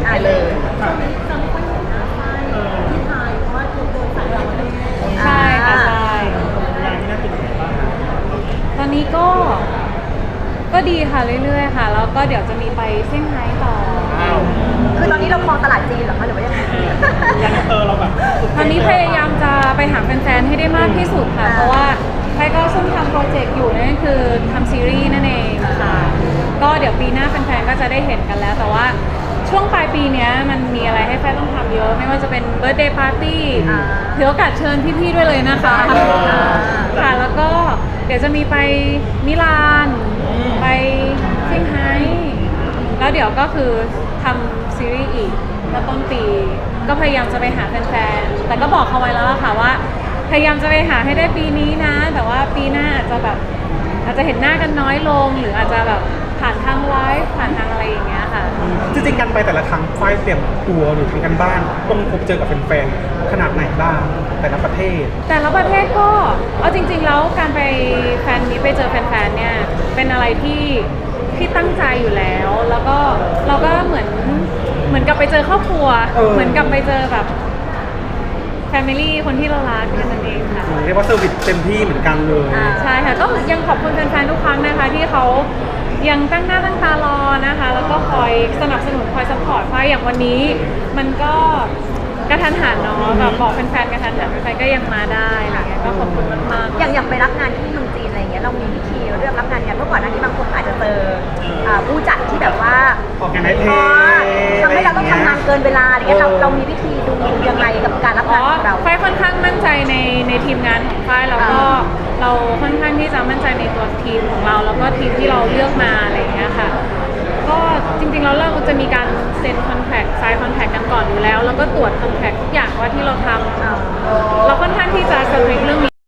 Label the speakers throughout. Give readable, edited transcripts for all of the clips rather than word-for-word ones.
Speaker 1: ไปเลย
Speaker 2: ใช่ค่ะใช่ตอนนี้ก็ดีค่ะเรื่อยๆค่ะแล้วก็เดี๋ยวจะมีไปเซี่ยงไฮ้ต่อ
Speaker 1: คือตอนนี้เราครองตลาดจีนเหรอคะหรือว่ายังไง
Speaker 3: เราแบบ
Speaker 2: ตอนนี้พยายามจะไปหาแฟนๆให้ได้มากที่สุดค่ะเพราะว่าใครก็ซุ่มทำโปรเจกต์อยู่นั่นคือทำซีรีส์นั่นเองค่ะก็เดี๋ยวปีหน้าแฟนๆก็จะได้เห็นกันแล้วแต่ว่าช่วงปลายปีนี้มันมีอะไรให้แฟนต้องทำเยอะไม่ว่าจะเป็นเบิร์ธเดย์ปาร์ตี้ถือโอกาสเชิญพี่ๆด้วยเลยนะคะค่ะแล้วก็เดี๋ยวจะมีไปมิลานไปเซี่ยงไฮ้แล้วเดี๋ยวก็คือทำซีรีส์อีกแล้วต้นปีก็พยายามจะไปหาแฟนๆแต่ก็บอกเขาไว้แล้วค่ะว่าพยายามจะไปหาให้ได้ปีนี้นะแต่ว่าปีหน้าอาจจะเห็นหน้ากันน้อยลงหรืออาจจะแบบผ่านทางไลฟ์ผ่านทางอะไรอย่างเงี้ยค่ะ
Speaker 3: จริงๆกันไปแต่ละครั้งฝ้ายเตรียมตัวหรือทำกันบ้านต้องพบเจอกับแฟนๆขนาดไหนบ้างแต่ละประเทศ
Speaker 2: ก็เอาจริงๆแล้วการไปแฟนนี้ไปเจอแฟนๆเนี่ยเป็นอะไรที่ตั้งใจอยู่แล้วแล้วก็เราก็เหมือนกับไปเจอครอบครัวเหมือนกับไปเจอแบบแฟมิลี่คนที่เรารักแค่นั้นเองค่ะ
Speaker 3: เรียกว่าเซอร์วิสเต็มที่เหมือนกันเลย
Speaker 2: ใช่ค่ะก็ยังขอบคุณแฟนๆทุกครั้งนะคะที่เขายังตั้งหน้าตั้งตารอนะคะแล้วก็คอยสนับสนุนคอยซัพพอร์ตไฟอย่างวันนี้มันก็กระทันหันเนาะแบบบอกแฟนๆกระทันหันแฟนๆก็ยังมาได้อะไรเงี้ยก็ขอบคุณมากๆ
Speaker 1: อย่างไปรับงานที่เมืองจีนอะไรเงี้ยเรามีวิธีเลือกรับงานกันเมื่อก่อนหน้านี้บางคนอาจจะเจอผู้จัดที่แบบว่า
Speaker 3: ออกงานในเท
Speaker 1: ทำให้เราต้องทำงานเกินเวลาอะไรเงี้ยเรามีวิธีดูยังไงกับการรับงานของเรา
Speaker 2: ไฟค่อนข้างมั่นใจในทีมงานของไฟแล้วก็เราค่อนข้างที่จะมั่นใจในตัวทีมของเราแล้วก็ทีมที่เราเลือกมาอะไรเงี้ยค่ะก็จริงๆแล้วเราจะมีการเซ็นคอนแทคไซน์คอนแทคกันก่อนอยู่แล้วแล้วก็ตรวจคอนแทคทุกอย่างว่าที่เราทำเราค่อนข้างที่จะสตริกเรื่องนี้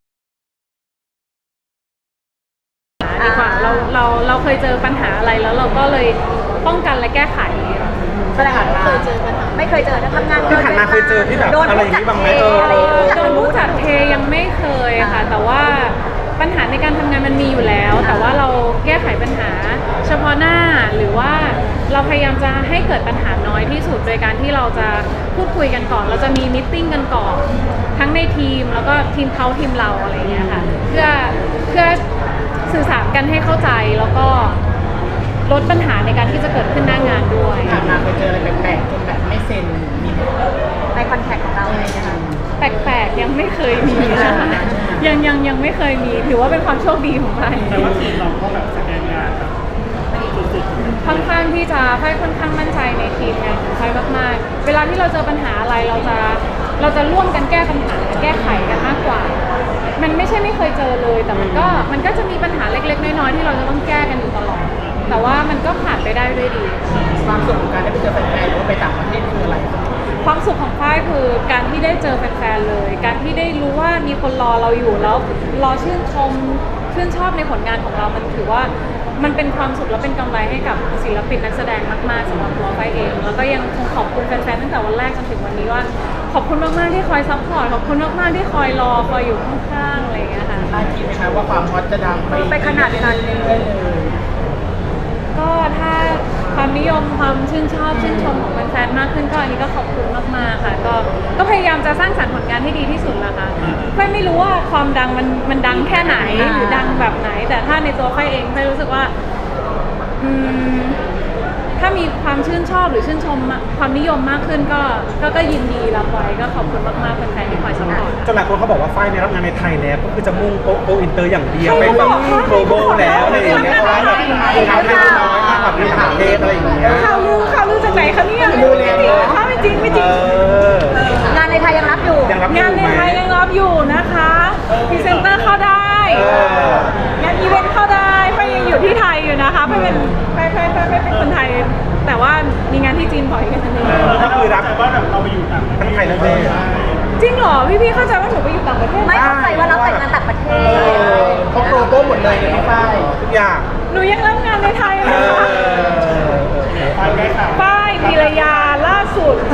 Speaker 2: ดีกว่าเราเคยเจอปัญหาอะไรแล้วเราก็เลยป้องกันและแก้ไข
Speaker 1: แสดงว่าเคยเจอปัญหาไม่เคยเจอนะทำงาน
Speaker 3: ที่ผ่านมาเคยเจอที่แบบอะไรอย่างนี้บ้างไหม
Speaker 2: โดนรู้จักเทยังไม่เคยค่ะแต่ว่าปัญหาในการทำงานมันมีอยู่แล้วแต่ว่าเราแก้ไขปัญหาเฉพาะหน้าหรือว่าเราพยายามจะให้เกิดปัญหาน้อยที่สุดโดยการที่เราจะพูดคุยกันก่อนเราจะมีมีตติ้งกันก่อนทั้งในทีมแล้วก็ทีมเขาทีมเราอะไรเงี้ยค่ะเพื่อสื่อสารกันให้เข้าใจแล้วก็ลดปัญหาในการที่จะเกิดขึ้นหน้างานด้วย
Speaker 4: มาเคยเจออะไรแปลกๆจนแบบไม่เซ็นมี
Speaker 1: ในคอนแทคของเราอะไรเงี้ยค่ะ
Speaker 2: แปลกๆยังไม่เคยมีนะคะยังไม่เคยมีถือว่าเป็นความโชคดีของไฟ
Speaker 3: แต่ว่าทีมเราก็แบบสแกนงาน
Speaker 2: ค่อนข้างที่จะไฟค่อนข้างมั่นใจในทีมงานของไฟมากๆเวลาที่เราเจอปัญหาอะไรเราจะร่วมกันแก้ปัญหาแก้ไขกันมากกว่ามันไม่ใช่ไม่เคยเจอเลยแต่มันก็จะมีปัญหาเล็กๆน้อยๆที่เราจะต้องแก้กันอยู่ตลอดแต่ว่ามันก็ผ่านไปได้ด้วยดี
Speaker 4: ความสุขของการได้ไปเจอแฟนๆหรือว่าไปต่างประเทศคืออะไร
Speaker 2: ความสุขของฝ้ายคือการที่ได้เจอแฟนๆเลยการที่ได้รู้ว่ามีคนรอเราอยู่แล้วรอชื่นชอบในผลงานของเรามันถือว่ามันเป็นความสุขและเป็นกำไรให้กับศิลปินนักแสดงมากๆสำหรับตัวฝ้ายเองแล้วก็ยังคงขอบคุณแฟนๆตั้งแต่วันแรกจนถึงวันนี้ว่าขอบคุณมากๆที่คอยซัพพอร์ตขอบคุณมากๆที่คอยรอคอยอยู่ข้างๆอะไรอย่างเงี้ยค่ะ
Speaker 4: คาดคิดไหมคะว่าความฮอตจะดัง
Speaker 1: ไปขนาดนั้นเลย
Speaker 2: ก็ถ้าความนิยมความชื่นชมของแฟนๆมากขึ้นก็อันนี้ก็ขอบคุณมากๆค่ะก็พยายามจะสร้างสรรค์ผลงานให้ดีที่สุดละค่ะไม่รู้ว่าความดังมันดังแค่ไหนหรือดังแบบไหนแต่ถ้าในตัวไฟเองไฟรู้สึกว่าถ้ามีความชื่นชอบหรือชื่นชมความนิยมมากขึ้นก็ยินดีรับไว้ก็ขอบคุณมากๆแฟนๆที่คอยซัพพอร์ต
Speaker 3: จนหลายคนเขาบอกว่าฝ้ายเนี่ยรับงานในไทยแล้วก็คือจะมุ่งโกอินเตอร์อย่างเดียวไปแบบโกลบอลแล้วอะไรอย่างเงี้ยเพราะว่าแบบทำให้น้อยมากแบบมีต่างประเทศอะไรอย่างเงี้ย
Speaker 2: ข่าวลือจากไหนคะเนี่ยไม่จริง
Speaker 1: งานในไทยยังรับอยู่
Speaker 2: งานในไทยยังรับอยู่นะคะพรีเซนเตอร์เข้าได้งานอีเวนต์เข้าได้ไฟยังอยู่ที่ไทยอยู่นะคะไฟเป็นคนไทยแต่ว่ามีงานที่จีนบ่อยกันทันที
Speaker 3: ก็คือรับว่าแบบเราไปอยู่ต่างประเทศไทยแล้วเลย
Speaker 2: จริงเหรอพี่เข้าใจว่าหนูไปอยู่ต่างประเทศ
Speaker 1: ไม่เข้าใจว่ารับแต่งงานต่างประเทศ
Speaker 4: เขาโปรโมทหมดเลยในฝ้าย
Speaker 3: ทุกอย่าง
Speaker 2: หนูยังรับงานในไทยเลยค่ะฝ้ายพิรยาล่าสุด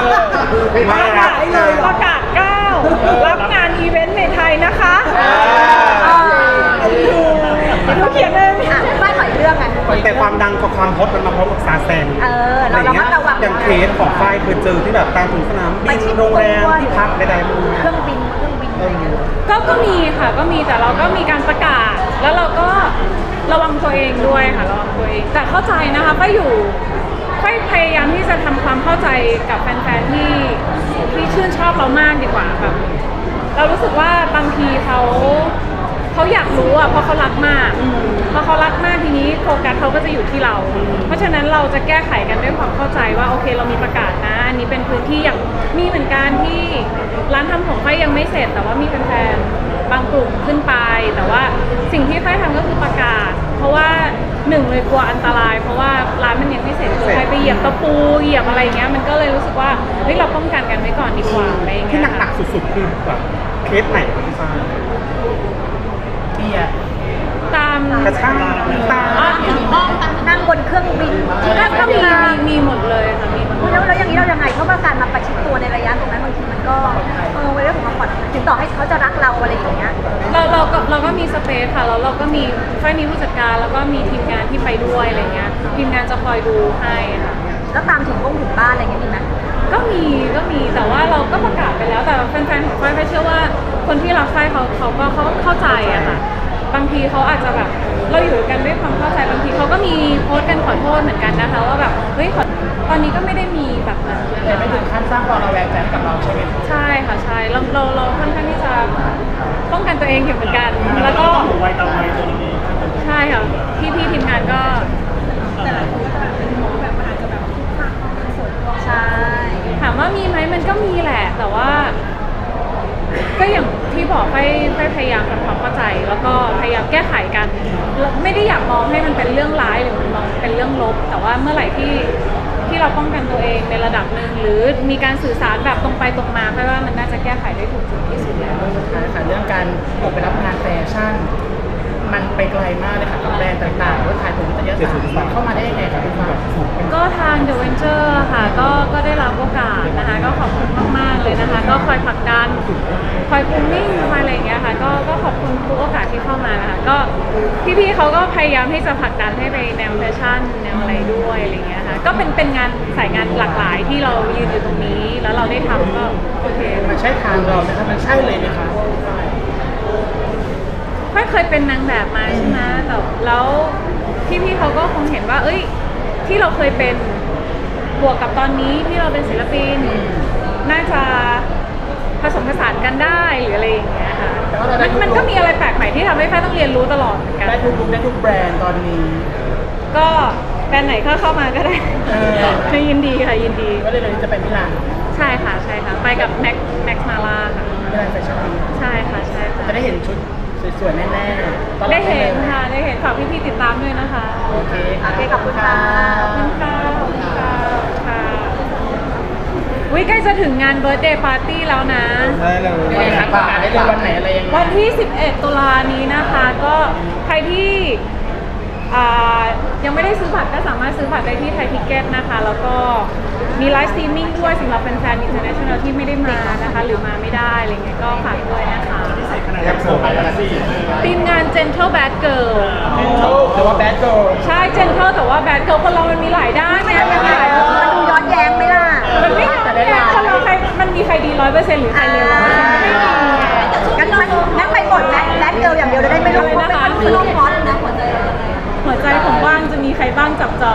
Speaker 2: ประกาศ9รับงานอีเวนต์ในไทยนะคะหนูเขียนเอง
Speaker 1: ฝ้ายขออีกเรื่องไง
Speaker 3: แต่ความดังกับความฮอตมันมาพร้อมกับซาแซง
Speaker 1: เราระมัดระวัง
Speaker 3: อย่างเคสของฝ้ายเคยเจอที่แบบตามถึงสนามบินโรงแรมที่พักใดๆมัน
Speaker 1: เครื่องบินอะไรอย่างเงี้ย
Speaker 2: ก็มีค่ะก็มีแต่เราก็มีการประกาศ แล้วเราก็ระวังตัวเองด้วยค่ะระวังตัวเองแต่เข้าใจนะคะก็พยายามที่จะทำความเข้าใจกับแฟนๆที่ชื่นชอบเรามากดีกว่าแบบเรารู้สึกว่าบางทีเขาอยากรู้อ่ะเพราะเขารักมากพอเขารักมากทีนี้โฟกัสเขาก็จะอยู่ที่เรา เพราะฉะนั้นเราจะแก้ไขกันด้วยความเข้าใจว่าโอเคเรามีประกาศนะอันนี้เป็นพื้นที่อย่างมีเหมือนกันที่ร้านทำผมไฟยังไม่เสร็จแต่ว่ามีแฟนๆบางกลุ่มขึ้นไปแต่ว่าสิ่งที่ไฟทำก็คือประกาศ เพราะว่าหนึ่งเลยกลัวอันตราย เพราะว่าร้านมันยังไม่เสร็จใครไปเหยียบตะปูเหยียบอะไรเงี้ยมันก็เลยรู้สึกว่าเฮ้ยเราป้องกันกันไว้ก่อนดีกว่าอะไรเงี้ย
Speaker 3: ที่หนักๆสุดๆคือแบบเคสไหนของพี่ฝ้าย
Speaker 4: เบียร์
Speaker 2: ตาม
Speaker 3: กระชากตา
Speaker 1: นั่งบนเครื่องบิน
Speaker 2: ก็มีหมดเลยค่ะมีหมดเลย
Speaker 1: แล้วอย่างนี้เรายังไงเพราะว่าการมาประชิดตัวในระยะตรงนั้นบางทีมันก็เรื่องของความปลอดภัยถึงต่อให้เขาจะรักเราอะไรอย่างเงี้ย
Speaker 2: เราก็มีสเปซค่ะแล้วเราก็มีค่อยมีผู้จัดการแล้วก็มีทีมงานที่ไปด้วยอะไรเงี้ยทีมงานจะคอยดูให้ค่ะ
Speaker 1: แล้วตามถึงบ้านอะไรอย่างเงี้ยมีไหม
Speaker 2: ก็มีแต่ว่าเราก็ประกาศไปแล้วแต่แฟนๆของฝ้ายเชื่อว่าคนที่รักฝ้ายเขาก็เข้าใจอะค่ะบางทีเขาอาจจะแบบเราอยู่กันด้วยความเข้าใจบางทีเขาก็มีโพสต์กันขอโทษเหมือนกันนะคะว่าแบบเฮ้ยตอนนี้ก็ไม่ได้มีแบบนั้น
Speaker 4: แต่ไม่ถึงขั้นสร้างความระแวงใจให้กับเราใช่ไหม
Speaker 2: ใช่ค่ะใช่เราค่อนข้างที่จะป้องกันตัวเองอยู่เหมือนกันแล้วก็
Speaker 4: ไวต่อไวตรงนี้
Speaker 2: ใช่ค่ะพี่ทีมงานก็
Speaker 1: ใช่
Speaker 2: ถามว่ามีไหมมันก็มีแหละ แต่ว่า ก็อย่างที่บอกไปพยายามทำความเข้าใจ แล้วก็พยายามแก้ไขกันไม่ได้อยากมองให้มันเป็นเรื่องร้ายหรือมันมองเป็นเรื่องลบ แต่ว่าเมื่อไหร่ที่เราป้องกันตัวเองในระดับหนึ่งหรือมีการสื่อสารแบบตรงไปตรงมาเพราะว่ามันน่าจะแก้ไขได้ถูกจุดที่สุดแล้ว
Speaker 4: สุดท้ายค่ะเรื่องการออกไปรับงานแฟชั่น มันไปไกลมากเลยค่ะกับแบรนด์ต่างๆว่าถ่ายผลนิตยสารมันเข้ามาได้ยังไงคะคุณฟ้า
Speaker 2: ก็ทาง The Venture ค่ะก็ได้รับโอกาสนะคะก็ขอบคุณมากๆเลยนะคะก็คอยผลักดันคอยปูมิ่งคอยอะไรอย่างเงี้ยค่ะก็ขอบคุณทุกโอกาสที่เข้ามานะคะก็พี่ๆเขาก็พยายามที่จะผลักดันให้ไปแนวแฟชั่นแนวอะไรด้วยอะไรเงี้ยค่ะก็เป็นงานสายงานหลากหลายที่เรายืนอยู่ตรงนี้แล้วเราได้ทำก็โอเค
Speaker 4: มันใช่ทางเราไหมคะมันใช่เลยไหมคะ
Speaker 2: ไม่เคยเป็นนางแบบมาใช่ไหมแต่แล้วพี่ๆเขาก็คงเห็นว่า เอ้ย ที่เราเคยเป็นบวกกับตอนนี้ที่เราเป็นศิลปิน น่าจะผสมผสานกันได้หรืออะไรอย่างเงี้ยค่ะมันก็มีอะไรแปลกใหม่ที่ทำให้แฟนต้องเรียนรู้ตลอดเหมือนกัน
Speaker 4: ได้ทุกลุคได้ทุกแบรนด์ตอนนี้
Speaker 2: ก็แบรนด์ไหนเข้ามาก็ได้ ยินดีค่ะยินดี
Speaker 4: ก็เลยเราจะไปมิลาน
Speaker 2: ใช่ค่ะใช่ค่ะไปกับแม็กซ์มาล่าค่ะ
Speaker 4: มิลานแฟชั่นวีค
Speaker 2: ใช่ค่ะใช่ค่ะ
Speaker 4: จะได้เห็นชุดสวยๆแน่ๆตลอ
Speaker 2: ได้เห็น
Speaker 4: ลย
Speaker 2: ค่ะได้เห็นฝากพี่ๆติดตามด้วยนะคะ
Speaker 4: โอเค
Speaker 1: โอเคขอบคุณค่ะ
Speaker 2: ขอบคุณค่ะขอบคุณค่ะค่ะวิใกล้จะถึงงานเบิร์ d เดย์ปาร์ตี้แล้วนะ
Speaker 3: ได้เลย
Speaker 4: ยังไงคะประกาศได้เลยวันไหนอะไรยังไง
Speaker 2: วันที่ 11 ตุลานี้นะคะ ก็ใครที่ยังไม่ได้ซื้อบัตรก็สามารถซื้อบัตรได้ที่ไทยทิกเก็ตนะคะ แล้วก็มีไลฟ์สตรีมมิ่งด้วยสำหรับแฟนๆ international ที่ไม่ได้มานะคะ หรือมาไม่ได้อะไรเงี้ยก็ฝากด้วยนะคะ
Speaker 3: แอปโซนอะไรสิ
Speaker 2: ทีมงาน Gentle Bad Girl
Speaker 4: หรือว่าแบดโก
Speaker 2: ใช่ Gentle แต่ว่า Bad Girl คนเรามันมีหลายด้านนะมันมีหลาย
Speaker 1: มันดูย้อนแย้งไหมล่ะ
Speaker 2: มันไม่ย้อนแย้งคนเราใครมันมีใครดี 100%หรือใครเลว100%ไม่มี
Speaker 1: งั้นไปหมดแรดเกิลอย่างเดียวจะได้ไม่รู้ว่าเป็นคนที่ฮอตนะหัวใจ
Speaker 2: หัวใจผมว่างจะมีใครบ้างจับจอง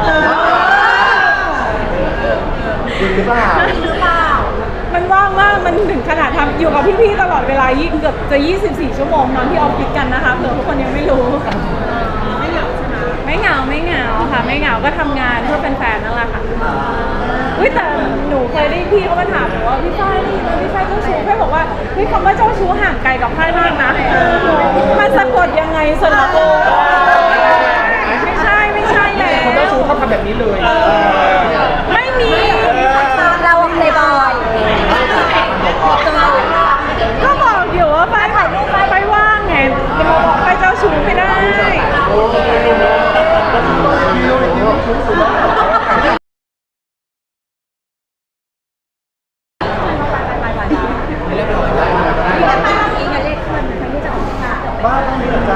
Speaker 3: จริงหรือเปล่า
Speaker 2: มันว่างมาก มันถึงขนาดทำอยู่กับพี่ๆตลอดเวลาเกือบจะ 24 ชั่วโมงนอนที่ออฟฟิศกันนะคะเผื่อทุกคนยังไม่รู้ ไม่เหงาใช่ไหมไม่เหงาค่ะ ไม่เหงาก็ทำงานเพื่อเป็นแฟนนั่นแหละค่ะอุ้ยแต่หนูเคยได้พี่เขามาถามหนูว่าพี่ฝ้ายนี่พี่ฝ้ายเจ้าชู้พี่บอกว่าพี่คำว่าเจ้าชู้ห่างไกลกับฝ้ายมากนะมันสะกดยังไงส่วนละโอไม่ใช่แล้ว
Speaker 4: คนเจ้าชู้เขาทำแบบนี้เลย
Speaker 2: ไม่มี
Speaker 1: เราเพลย์บอย
Speaker 2: ก็บอกอยู่ว่าไปถ่ายรูปไปว่างไงจะมาบอกไปเจ้าชู้ไม่ได้
Speaker 1: อีกเลขขึ้นทั้งที่จะออกค่ะ